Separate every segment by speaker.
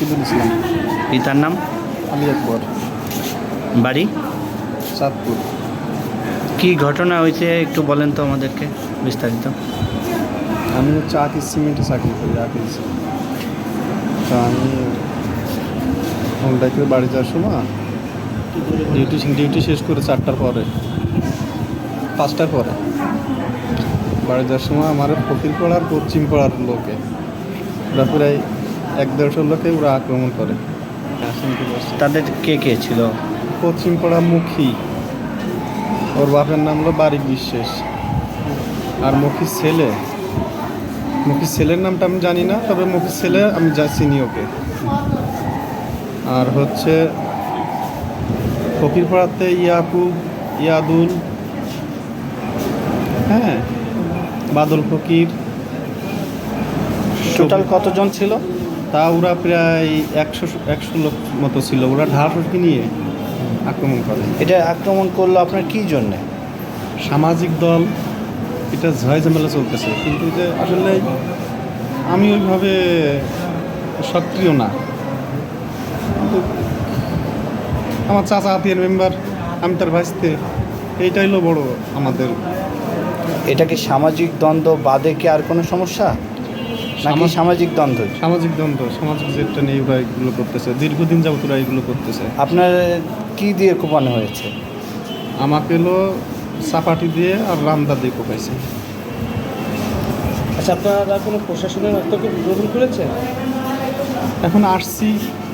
Speaker 1: রকিবুল ইসলাম।
Speaker 2: পিতার নাম?
Speaker 1: আলী আকবর।
Speaker 2: বাড়ি?
Speaker 1: চাঁদপুর।
Speaker 2: কি ঘটনা হয়েছে একটু বলেন তো আমাদেরকে বিস্তারিত।
Speaker 1: আমি হচ্ছে আকিজ সিমেন্টে চাকরি করি, আকিজ। তা আমি হোন্ডাই করে বাড়ি যাওয়ার সময় ডিউটি শেষ করে 4টার পরে 5টার পরে বাড়ি যাওয়ার সময় আমার ফকির পাড়ার পশ্চিম পাড়ার লোকে ওরা প্রায় 1-150 লোকে ওরা আক্রমণ করে।
Speaker 2: তাদের কে কে ছিল?
Speaker 1: পশ্চিম পাড়া মুখী, ওর বাপের নাম হলো বারিক বিশ্বাস। আর মুখির ছেলের নামটা আমি জানি না, তবে মুখির ছেলে আমি যা চিনি ওকে। আর হচ্ছে ফকিরপাড়াতে ইয়াকুব, ইয়াদুল, হ্যাঁ, বাদল ফকির।
Speaker 2: টোটাল কতজন ছিল?
Speaker 1: তা ওরা প্রায় 100 লোক মতো ছিল। ওরা ঢালকি নিয়ে আক্রমণ করে।
Speaker 2: এটা আক্রমণ করলো আপনার কি জন্যে?
Speaker 1: সামাজিক দল, এটা ঝয় ঝামেলা চলতেছে, কিন্তু যে আসলে আমি ওইভাবে সক্রিয় না। কিন্তু আমার চাচা হাতিয়ার মেম্বার, আমি তার ভাইস্তে, এইটাই হলো বড় আমাদের।
Speaker 2: এটা কি সামাজিক দ্বন্দ্ব বাদে কি আর কোনো সমস্যা, নাকি সামাজিক দ্বন্দ্ব?
Speaker 1: সামাজিক দ্বন্দ্ব, সামাজিক যেটা নিয়ে ওরা এগুলো করতেছে, দীর্ঘদিন যাবত ওরা এগুলো করতেছে।
Speaker 2: আপনার কি দিয়ে কোপানো হয়েছে?
Speaker 1: আমাকে হলো চাপাটি দিয়ে আর রামদা দিয়ে কোপাইছে।
Speaker 3: আচ্ছা, আপনারা কোনো প্রশাসনের হস্তক্ষেপ গ্রহণ করেছেন?
Speaker 1: এখন আসছি,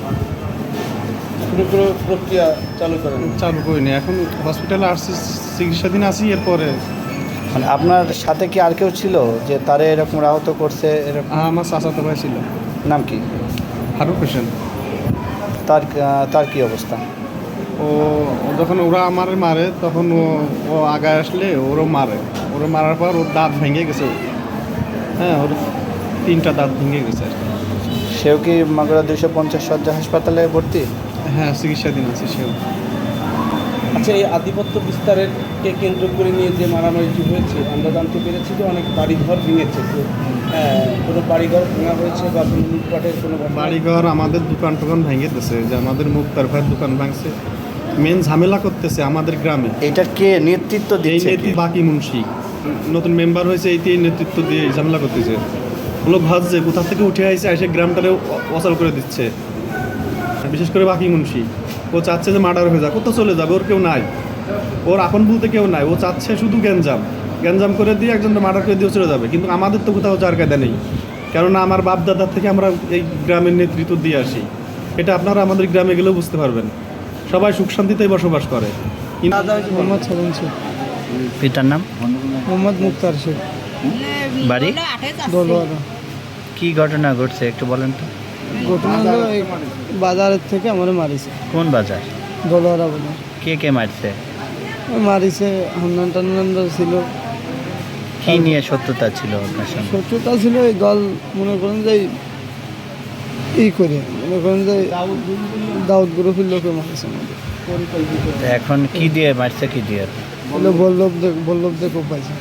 Speaker 3: কোনো প্রক্রিয়া চালু
Speaker 1: করিনি। এখন হসপিটালে আসছি, চিকিৎসাধীন আছি। এরপরে
Speaker 2: মানে আপনার সাথে কি আর কেউ ছিল যে তারে এরকম আহত করছে? এরকম
Speaker 1: আমার চাচাতো ভাই ছিল।
Speaker 2: নাম কি?
Speaker 1: ফারুক হোসেন।
Speaker 2: তার কি অবস্থা?
Speaker 1: ও যখন ওরা আমার মারে তখন ও আগায় আসলে ওরও মারার পর ওর দাঁত ভেঙে গেছে। হ্যাঁ, ওর 3টা দাঁত ভেঙে গেছে আর কি।
Speaker 2: সেও কি মাগুরা 250 শয্যা হাসপাতালে ভর্তি?
Speaker 1: হ্যাঁ, চিকিৎসাধীন আছে সেও।
Speaker 3: আচ্ছা, এই আধিপত্য বিস্তারেরকে কেন্দ্র করে নিয়ে যে মারামারিটি হয়েছে, আমরা জানতে পেরেছি যে অনেক বাড়িঘর ভেঙেছে। তো কোনো বাড়িঘর ভাঙা হয়েছে বা কোনো লুটপাটের কোনো
Speaker 1: বাড়িঘর, আমাদের দোকান টোকান ভেঙে দিয়েছে, যে আমাদের মুক্তার ভাইয়ের দোকান ভাঙছে। মেন ঝামেলা করতেছে আমাদের গ্রামে।
Speaker 2: এটা কে নেতৃত্ব দিচ্ছে?
Speaker 1: বাকি মুন্সি নতুন মেম্বার হয়েছে, এই নেতৃত্ব দিয়ে ঝামেলা করতেছে। লোক ভাবছে কোথা থেকে উঠে আসছে, এসে গ্রামটারে অচল করে দিচ্ছে। বিশেষ করে বাকি মুন্সি, ও চাচ্ছে যে মার্ডার হয়ে যাক, কোথাও চলে যাবে, ওর কেউ নাই, ওর আপন বলতে কেউ নাই। ও চাচ্ছে শুধু গ্যাঞ্জাম করে দিয়ে একজন মার্ডার করে দিয়ে চলে যাবে। কিন্তু আমাদের তো কোথাও যার কায়দা নেই, কেননা আমার বাপ দাদার থেকে আমরা এই গ্রামের নেতৃত্ব দিয়ে আসি। এটা আপনারা আমাদের গ্রামে গেলেও বুঝতে পারবেন। সবাই সুখ শান্তিতেই বসবাস করে।
Speaker 3: মোহাম্মদ সালাম শেখ।
Speaker 2: পিতার নাম?
Speaker 3: মোহাম্মদ মুক্তার শেখ।
Speaker 2: বাড়ি?
Speaker 3: দোলওয়ারা।
Speaker 2: কি ঘটনা ঘটছে একটু বলেন তো।
Speaker 3: ঘটনা হলো এই বাজারের থেকে আমার মারিছে।
Speaker 2: কোন বাজার?
Speaker 3: দোলওয়ারা বাজার।
Speaker 2: কে কে মারছে?
Speaker 3: মারিছে, হান্নান টান্নান ছিল।
Speaker 2: কি নিয়ে শত্রুতা ছিল আপনার সঙ্গে?
Speaker 3: শত্রুতা ছিল এই দল, মনে করেন যে মনে করেন যে দাউদ গ্রুপের লোকে মারিছে আমাদের।
Speaker 2: এখন কি দিয়ে মারছে, কি দিয়ে?
Speaker 3: বল্লভ দেখো পাইছে।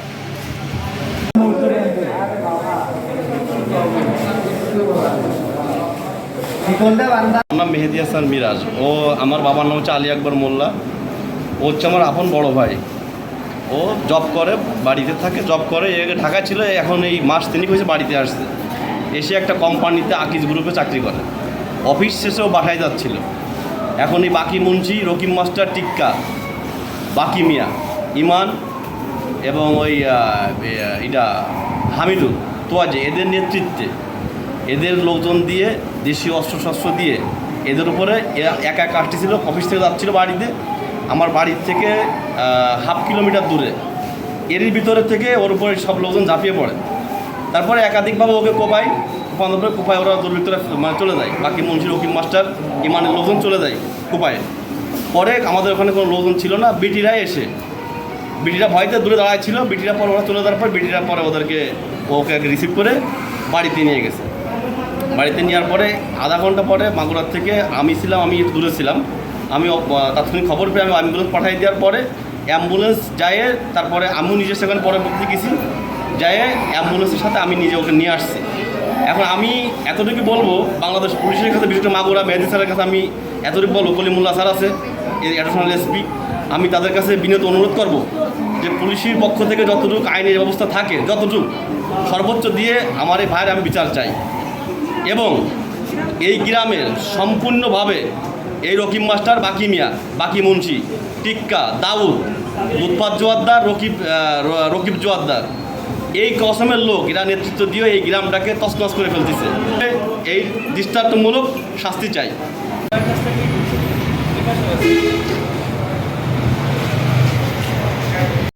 Speaker 4: আমার নাম মেহেদি হাসান মিরাজ। ও আমার বাবার নাম হচ্ছে আলী আকবর মোল্লা। ও হচ্ছে আমার আপন বড় ভাই। ও জব করে, বাড়িতে থাকে, জব করে। ঢাকা ছিল, এখন এই মাস 3 হয়েছে বাড়িতে আসছে। এসে একটা কোম্পানিতে আকিজ গ্রুপে চাকরি করে। অফিস শেষেও বাসায় যাচ্ছিল। এখন এই বাকি মুন্সি, রকিম মাস্টার, টিক্কা, বাকি মিয়া, ইমান এবং ওই এটা হামিদুল তোয়াজে, এদের নেতৃত্বে, এদের লোকজন দিয়ে, দেশীয় অস্ত্রশস্ত্র দিয়ে এদের উপরে একা আসতেছিল। অফিস থেকে যাচ্ছিলো বাড়িতে, আমার বাড়ির থেকে 1/2 কিলোমিটার দূরে। এরই ভিতরে থেকে ওর উপরে সব লোকজন ঝাঁপিয়ে পড়ে। তারপরে একাধিকভাবে ওকে কোপায় ওরা দুর্বৃত্তরা মানে চলে যায়। বাকি মুন্সি, রকিম মাস্টার, ইমানের লোকজন চলে যায় কোপায়। পরে আমাদের ওখানে কোনো লোকজন ছিল না, বিটিরা ভয়তে দূরে দাঁড়ায় ছিল। বিটিরা পরে ওরা চলে যাওয়ার পর বিটিরা পরে ওকে রিসিভ করে বাড়িতে নিয়ে গেছে। বাড়িতে নেওয়ার পরে আধা ঘন্টা পরে মাগুরার থেকে আমি একটু দূরে ছিলাম, আমি তাৎক্ষণিক খবর পেয়ে আমি অ্যাম্বুলেন্স পাঠিয়ে দেওয়ার পরে অ্যাম্বুলেন্স যায়। তারপরে আমিও নিজে সেখানে পরবর্তী গেছি, যায় অ্যাম্বুলেন্সের সাথে আমি নিজে ওকে নিয়ে আসছি। এখন আমি এতটুকু বলবো বাংলাদেশ পুলিশের কাছে, বিশেষ করে মাগুরা মেহেদি স্যারের কাছে আমি এতটুকু বলবো, কলিমুল্লাহ স্যার আছে অ্যাডিশনাল এসপি, আমি তাদের কাছে বিনীত অনুরোধ করব যে পুলিশের পক্ষ থেকে যতটুকু আইনের ব্যবস্থা থাকে যতটুকু সর্বোচ্চ দিয়ে আমার এই ভাইয়ের আমি বিচার চাই। এবং এই গ্রামের সম্পূর্ণভাবে এই রকিব মাস্টার, বাকি মিয়া, বাকি মুন্সি, টিক্কা, দাউদ, লুৎফাত জোয়ারদার, রকিব জোয়ারদার, এই কসমের লোক এরা নেতৃত্ব দিয়ে এই গ্রামটাকে তছনছ করে ফেলতেছে। এই দৃষ্টান্তমূলক শাস্তি চাই।